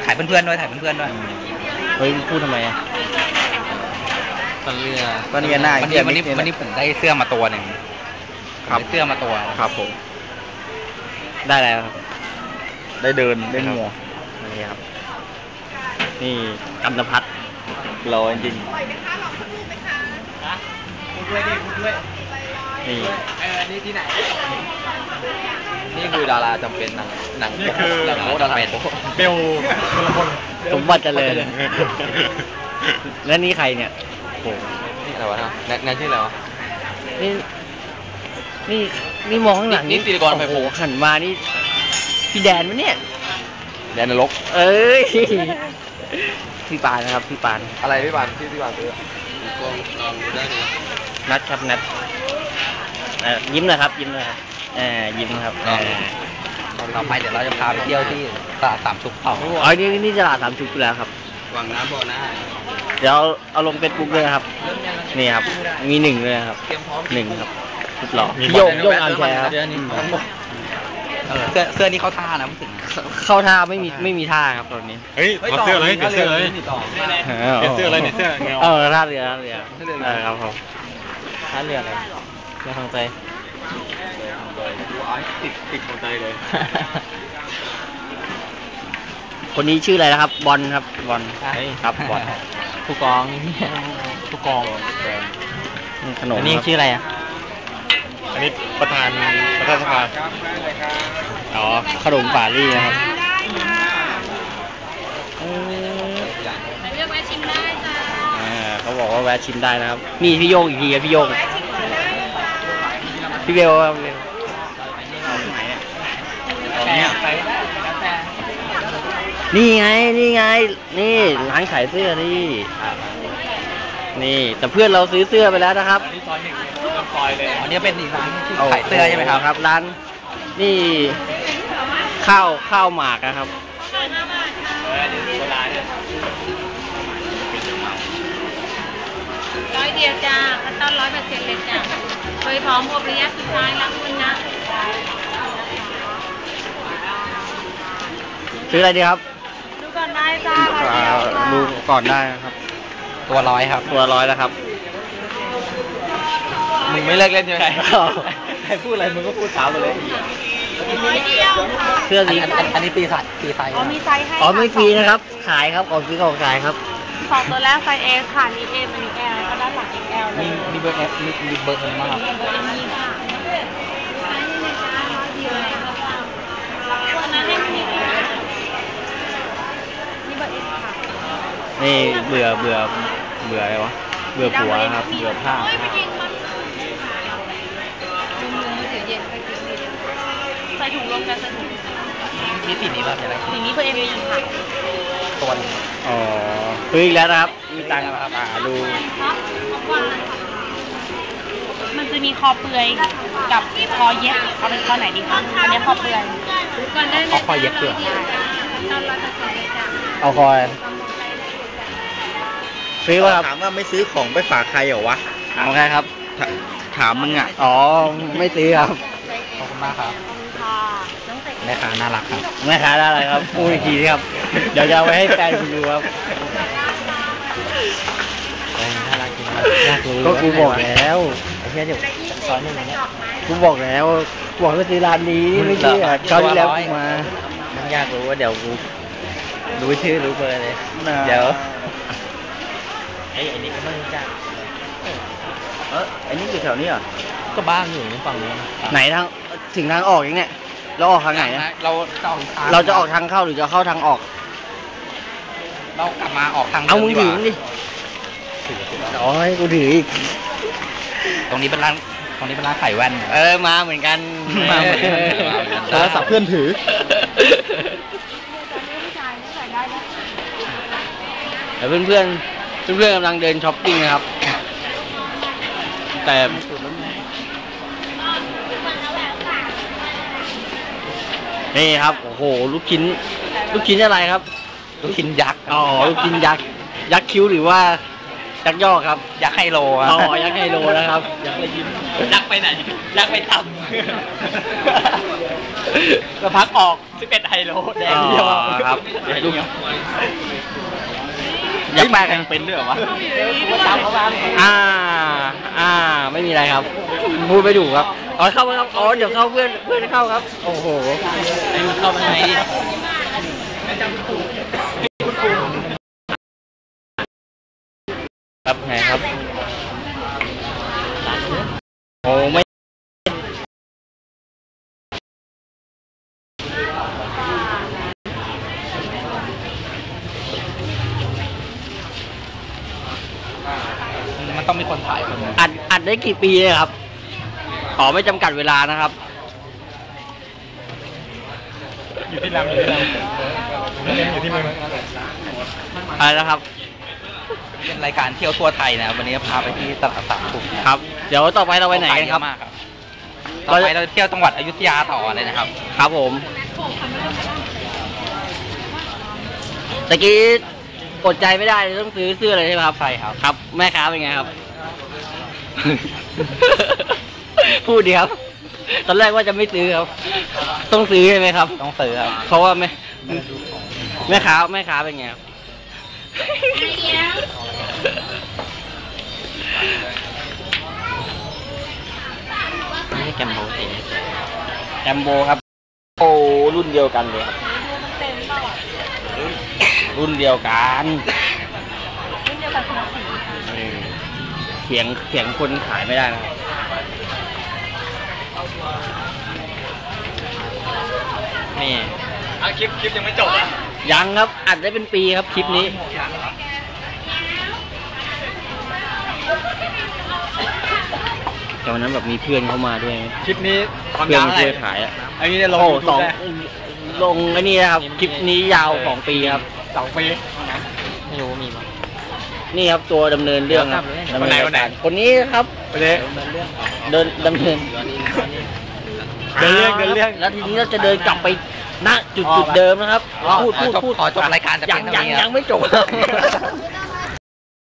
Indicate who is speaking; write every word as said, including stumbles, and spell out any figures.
Speaker 1: ถ่ายเพื่อนๆด้วยถ่ายเพื่อนๆด้วย
Speaker 2: เฮ้ยพูดทำไมอ่ะตอนเรือตอนเรือหน้าวันนี้วันนี้วันนี้ผมได้เสื้อมาตัวหนึ่งครับเสื้อมาตัวครับผมได้แล้วครับได้เดินได้เหงื่อนี่ครับนี่กันตพัฒน์รอจริงพูดด้วยดิพูดด้วยนี่เออนี่ที่ไหนนี่คือดาราจำเป็นหนังหนังนี่คือหนังโป๊ดาราเบลคนละคนสมบัติเจริญและนี่ใครเนี่ยโอ้นี่อะไรวะแนทแนทชื่ออะไรวะนี่นี่นี่มองข้างหลังนี่ตีกรไฟโผล่หันมานี่พี่แดนมั้ยเนี่ยแดนนรกเอ้ยพี่ปานนะครับพี่ปานอะไรพี่ปานที่พี่ปานซื้อลองลองดูได้เลยนัดครับนัดยิ้มเลยครับยิ้มเลยครับยิ้มครับต่อไปเดี๋ยวเราจะพาไปเที่ยวที่ตลาดสามชุกเขาอ๋อนี่นี่ตลาดสามชุกแล้วครับวังน้ำบ่อน้าเดี๋ยวเอาลงเฟซบุ๊กเลยครับนี่ครับมีหนึ่งเลยครับหนึ่งครับสุดหล่อโยกโยกอันแชร์ครับเสื้อเสื้อนี่เข้าท่านะพูดถึงเข้าท่าไม่มีไม่มีท่าครับตอนนี้
Speaker 3: เฮ้ยเอาเสื้ออะไรเปลี่ยนเสื้ออะไรเปลี่ยนเสื้ออะไรเนี่ยเสื้อเงา
Speaker 2: เออท่าเรือท่าเรือเออครับผมท่าเรืออะไรเรือทางใจ
Speaker 3: ติดติดทางใจเลย
Speaker 2: คนนี้ชื่ออะไรนะครับบอลครับบอลครับบอลผู้กองผู้กองขนมนี่ชื่ออะไรอ่ะ
Speaker 3: อันนี้ประธานประธานสภา
Speaker 2: อ๋อขนมปาลี่นะครับ
Speaker 4: เลือกแวะชิมได้จ้า
Speaker 2: อ่าเขาบอกว่าแวะชิมได้นะครับนี่พี่โยงอีกทีครับพี่โยงพี่เบลครับนี่ไงนี่ไงนี่ร้านขายเสื้อนี่นี่แต่เพื่อนเราซื้อเสื้อไปแล้วนะครับ
Speaker 1: อันนี้ซอยหนึ่งซอยเลยอันนี้เป็นอีกร้านที่ขายเสื้อใช่ไหมครับ
Speaker 2: ครับร้านนี่ข้าวข้าวหมากนะครับ
Speaker 4: ร้อยเดียวจ้าขั้นตอนร้อยเปอร์เซ็นต์เลยจ้าเคยพร้อมอบระยะสุดท้ายแล้วคุณนะ
Speaker 2: ซื้ออะไรดีครับ
Speaker 4: ดูก่อนได้จ้าร้อยเดียว
Speaker 2: ดูก่อนได้ครับ
Speaker 1: ตัวร้อยครับ
Speaker 2: ตัวร้อยแล้วครับ
Speaker 1: มึงไม่เลิกเล่นใช่ไหมใครพูดอะไรมึงก็พูดเช้าไปเลย
Speaker 2: เสื้อนี้
Speaker 1: อันนี้ปีไซส์ปีไซส์
Speaker 4: อ๋อมีไซส์ให้
Speaker 2: อ๋อไม่ฟรีนะครับขายครับของฟรีของขายครับ
Speaker 4: สองตัวแรกไซส์ S ค่ะนี่ M อันนี้ L แล้วก็ด้านหลัง เอ็กซ์ แอล เลย
Speaker 1: มีเบอร์ F มีมีเบอร์ M มาก
Speaker 4: เบอร์ M นี่ค่ะตัวนั้นให้มีนี่เบอร์ S ค่ะ
Speaker 2: นี่เบื่อเบื่อเบื่ออะไรวะเบื่อผัวครับเบื่อผ้า
Speaker 4: ใส่ถุงลงกันใส่ถุง
Speaker 1: มีสีนี้แบบอะไร
Speaker 4: สีนี้เบอร์ M อีกค่ะ
Speaker 1: ตัวนึง
Speaker 2: อ๋อซื้ออีกแล้วนะครับมีตังค์ครับอ่าดู
Speaker 4: มันจะมีคอเปลือยกับคอเย็บเอาเป็นคอไหนดีคะอันนี้คอเปลือยก่อนได้เลย
Speaker 1: คอเย็บเปลือย
Speaker 2: เอาคอยซื้อว่า
Speaker 1: ถามว่าไม่ซื้อของไปฝากใครเหรอวะ
Speaker 2: ถามใครครับ
Speaker 1: ถามมึงอ่ะ
Speaker 2: อ๋อไม่ซื้อครับ
Speaker 1: ขอบคุณมากครับแม่ค้าน่ารักครับ
Speaker 2: แม่ค้าน่ารักครับพูดอีกทีครับเดี๋ยวจะเอาไว้ให้แฟนคุณดูครับ
Speaker 1: น่ารักจริงน่ารู้
Speaker 2: ก็กูบอกแล้ว
Speaker 1: ไอ้เหี้ยเดี๋ยวซอยหนึ่งเนี่ย
Speaker 2: กูบอกแล้วบอกให้ซื้อร้านนี้ไม่ใช่เขาที่แล้วมา
Speaker 1: มันอยากรู้ว่าเดี๋ยวกูรู้ชื่อรู้เบอร์เลยเดี๋ยวไอ้ไอ้นี่ก็ไม่รู้จัก
Speaker 2: เออไอ้นี่อยู่แถวนี้เหรอ
Speaker 1: ก็บ้านอยู่ในฝั่งนี้
Speaker 2: ไหนทางถึงทางออกยังเนี่ยเราออกทางไหนนะ
Speaker 1: เราจะออก
Speaker 2: เราจะออกทางเข้าหรือจะเข้าทางออก
Speaker 1: เรากลับมาออกทาง
Speaker 2: เอามึงถือดิโอ้ยกูถืออีก
Speaker 1: ตรงนี้เป็นร้านตรงนี้เป็นร้านไข่แว่น
Speaker 2: เออมาเหมือนกัน
Speaker 1: มาเหมือนกัน
Speaker 2: โทรศัพท์เพื่อนถือแต่เพื่อนเพื่อนเพื่อนกำลังเดินช้อปปิ้งนะครับแต่นี่ครับโอ้โหลูกชิ้นลูกชิ้นอะไรครับ
Speaker 1: ลูกชิ้นยักษ์
Speaker 2: อ๋อลูกชิ้นยักษ์ยักษ์คิ้วหรือว่ายักษ์ย่อครับ
Speaker 1: ยักษ์ไฮโล
Speaker 2: อ๋อยักษ์ไฮโลนะครับ
Speaker 1: ยักษ์เลยยิ้มยักษ์ไปไหนยักษ์ไปทำก็พักออกสิบเอ็ดไฮโลแดงเดียว
Speaker 2: ครับลูกอยากแปลกัน
Speaker 3: เป็นด้วยเหรอวะ
Speaker 2: อ่า อ่า ไม่มีอะไรครับ พูดไม่ถูกครับอ๋อเข้ามาครับอ๋อเดี๋ยวเข้าเพื่อนเพื่อนเข้าครับ โอ้โห
Speaker 1: ไอ้มึงเข้ามาไงดิ
Speaker 2: ครับไงครับ โอ้ไม่
Speaker 1: มันต้องมีคนถ่ายคนนึง
Speaker 2: อัดอัดได้กี่ปีเลยครับอ๋อไม่จำกัดเวลานะครับ
Speaker 3: อยู่ที่ลำอยู่ที่ลำอยู่ที่เมือง
Speaker 2: อะไรนะครับ
Speaker 1: เป็นรายการเที่ยวทั่วไทยนะวันนี้พาไปที่ตลาดสามขุม
Speaker 2: ครับ เดี๋ยวต่อไปเราไปไหนกันครับ
Speaker 1: มากครับต่อไปเราเที่ยวจังหวัดอยุธยาต่อเลยนะครับ
Speaker 2: ครับผมตะกี้อดใจไม่ได้เลยต้องซื้อเสื้อเลยใช่ไหมครับใช่ครับครับ แม่ค้าเป็นไงครับ พูดดีครับ ตอนแรกว่าจะไม่ซื้อครับ ต้องซื้อใช่ไหมครับ
Speaker 1: ต้องซื้อครับ
Speaker 2: เพราะว่าแม่แม่ค้าแม่ค้าเป็นไงครับ
Speaker 1: นี่แกมโบสี
Speaker 2: แจมโบครับ โอ้รุ่นเดียวกันเลยครับรุ่นเดียวกัน
Speaker 4: รุ่นเดียวกันคนละสี
Speaker 2: เออเถียงเถียงคนขายไม่ได้นะครับ
Speaker 1: นี่
Speaker 3: อ่ะคลิปคลิปยังไม่จบอ่ะ
Speaker 2: ยังครับอัดได้เป็นปีครับคลิปนี้ แต่วันนั้นแบบมีเพื่อนเข้ามาด้วย
Speaker 3: คลิปนี้ความ
Speaker 2: เพื่อน
Speaker 3: ยาว
Speaker 2: มา
Speaker 3: เท่าไห
Speaker 2: ช่วย
Speaker 3: ร่
Speaker 2: ขายอ่ะ
Speaker 3: อันนี้เนี่ยลง
Speaker 2: โอ้
Speaker 3: YouTube
Speaker 2: สอง
Speaker 3: ได้
Speaker 2: ลงไอ้นี่นะครับ คลิปนี้ยาวสองปีครับ
Speaker 3: สองปี
Speaker 1: ไม่รู้มีมั้ย
Speaker 2: นี่ครับตัวดำเนินเรื่องครับ
Speaker 3: เดี๋ยว
Speaker 2: ดำ
Speaker 3: คนไหน
Speaker 2: เนิ
Speaker 3: คนไหน
Speaker 2: การคนนี้ครับ
Speaker 3: ไปเลย
Speaker 2: เดินดำเนิน
Speaker 3: เดินเรื่องเดินเรื่อง
Speaker 2: แล้วทีนี้เราจะเดินกลับไปณจุดจุดเดิมนะครับ พูดพูดพูด
Speaker 1: ขอจบรายการจะ
Speaker 2: ยั
Speaker 1: เป็
Speaker 2: ง
Speaker 1: น
Speaker 2: ยัง
Speaker 1: เท่านี้ครับ
Speaker 2: ยังไม่จบครับ